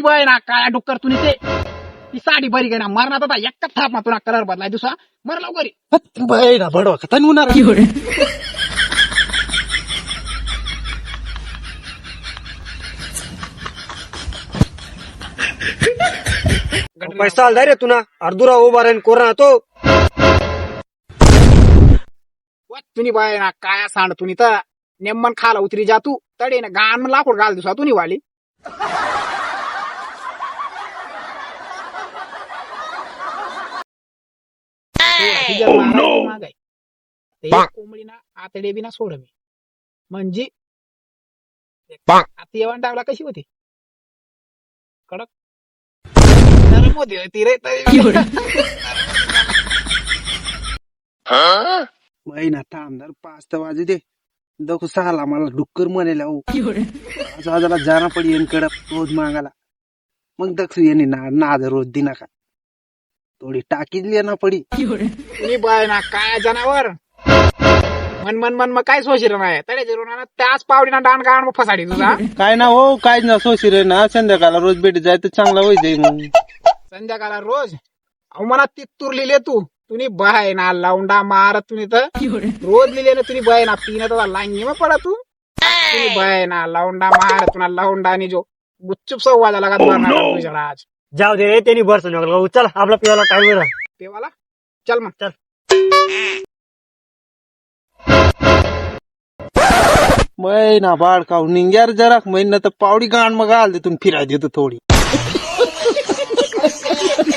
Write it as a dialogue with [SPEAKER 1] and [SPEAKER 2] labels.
[SPEAKER 1] bye ना काळ्या डुक्कर तुनी ते ती साडी बरी गे ना मरणार आता एक थाप ना तुला कलर बदलाय दुसरा मर लवकर
[SPEAKER 2] बाय ना बडवा का तन होणार पैसा आला रे तुना अर्धुरा उभा राहीन कोरोना तो
[SPEAKER 1] तुनी बाय ना काया सांड तुनी तर नेमन खाला उतरी जा तू तडे ना गाण लाकूड घाल दुसरा तुनी वाली कोंबडी ना आतडे बी ना सोड मी म्हणजे आता येवण टाकला कशी होती कडक नरम होती ती रे
[SPEAKER 2] महिना थांबणार 5 तर वाजू दे दखू सहाला मला डुक्कर म्हणायला आजाला जाना पडी येन कडक रोज मागायला मग दक्षू येणे नाद रोज दिना का थोडी टाकीली ना पडी
[SPEAKER 1] तुम्ही बाय ना काय जनावर मन मन मन मग काय सोशीर नाही तडे जिरून त्याच पावडीना डान गाण मग फसाडी तुझा
[SPEAKER 2] काय ना हो काय ना सोशी रे ना संध्याकाळला रोज भेटी जाय तर चांगला होई जाई मग
[SPEAKER 1] संध्याकाळला रोज अहो मला ती तूर लिहिले तू तुम्ही बाय ना लावंडा मार तुम्ही तर रोज लिहिले ना तुम्ही बाय ना पिणं तर लांगी मग पडा तू तुम्ही बाय ना लावंडा मार तुला लावंडा आणि जो गुच्चूप सव्वा लगा तुझ्या आज
[SPEAKER 3] जाऊ दे रे त्यांनी बरं सांगितलं चल आपला पिवाला टाइम
[SPEAKER 1] पेवाला चल मग
[SPEAKER 3] चल
[SPEAKER 2] महिना बाळ खाऊ निंग्यार जरा महिना तर पावडी गाण मग आल तिथून फिराय देतो थोडी